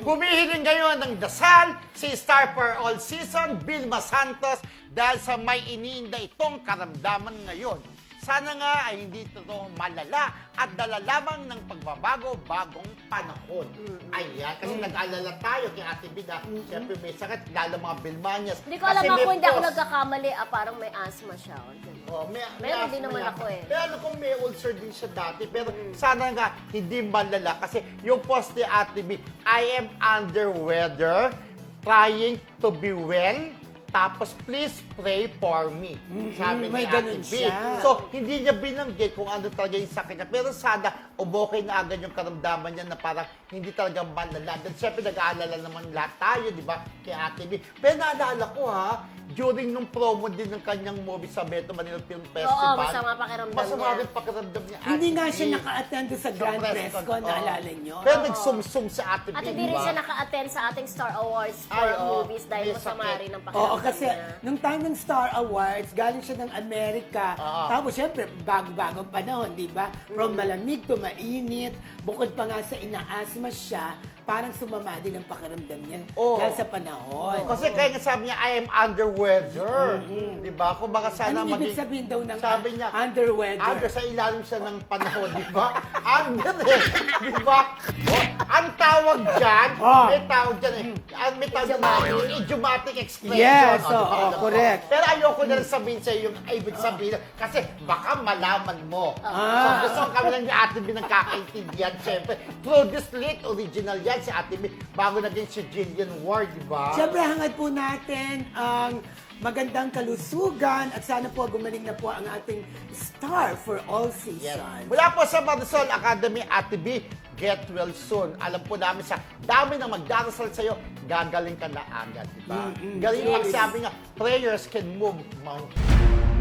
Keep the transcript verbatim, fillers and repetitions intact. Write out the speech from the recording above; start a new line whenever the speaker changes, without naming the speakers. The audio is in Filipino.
Humihiling ngayon ng dasal si Star for All Season, Vilma Santos, dahil sa may iniinda itong karamdaman ngayon. Sana nga ay hindi ito malala at dala lamang ng pagbabago bagong panahon.
Mm-hmm.
Ayan, kasi nag-alala tayo kay Ate Bida.
Mm-hmm.
Siyempre may sakit, lalo mga Bilmanias.
Hindi ko alam
Kasi
ako,
may
hindi ako
post.
nagkakamali. Ah, parang may asthma siya.
Oh, may,
Meron din
asthma
naman
yan.
ako eh.
Pero alam ko may ulcer din siya dati. Pero sana nga hindi malala. Kasi yung post ni Ate B, I am under weather, trying to be well, tapos please pray for me. Sabi
may
ni Ate
ganun
B.
siya.
So, hindi niya binanggit kung ano talaga yung sakit niya. Pero sana, umokay na agad yung karamdaman niya na parang hindi talaga malala. Then, syempre, nag-aalala naman lahat tayo, di ba, kay Ate B. Pero naalala ko, ha, during nung promo din ng kanyang movie sa Beto Manila Film Festival.
Oo, masama pakiramdam
Masama
niya.
rin pakiramdam niya.
Hindi
Ate
nga
B.
siya naka-attend sa Grand Press Con,
Oo.
naalala nyo?
Pero nagsumsum sa Ate B,
At hindi rin
di ba?
siya naka-attend sa ating Star Awards for
Ay, oo.
movies dahil
May
masama
sakit.
rin ang pakiramdam
Oo, kasi
niya.
nung time ng Star Awards, galing siya ng Amerika.
Oo.
Tapos syempre, bago-bagong panahon, di ba? From malamig to mainit. Bukod pa nga sa inaasma siya, parang sumama din ang pakiramdam niya
Oo.
dahil sa panahon.
Kasi kaya nga sabi niya, I am under weather. Di ba? Kung baka sana
Anong ibig
maging...
sabihin daw ng
Sabi niya,
under weather?
Under, sa ilalim siya ng panahon, di ba? Under eh, di ba? Oh, ang tawag dyan,
Oh.
may tawag dyan eh. Ang may tawag dyan,
Idiomatic.
idiomatic expression.
Yes,
oh, di ba?
oo, correct.
Pero ayoko na rin sabihin sa'yo yung ibig sabihin, kasi baka malaman mo.
Ah.
So gusto ko kami lang ni Ate B nagkakaintindihan, syempre. Through this late original yan, si Ate B, bago naging si Jillian Ward, di ba?
Siyempre, hangad po natin ang magandang kalusugan at sana po gumaling na po ang ating Star for All
Yes.
Season.
Mula po sa Marisol Academy, Ate B, get well soon. Alam po namin sa dami ng magdarasal sa'yo, gagaling ka na agad, di ba?
Mm-mm.
Galing
Yes.
pagsabi nga, prayers can move mountains.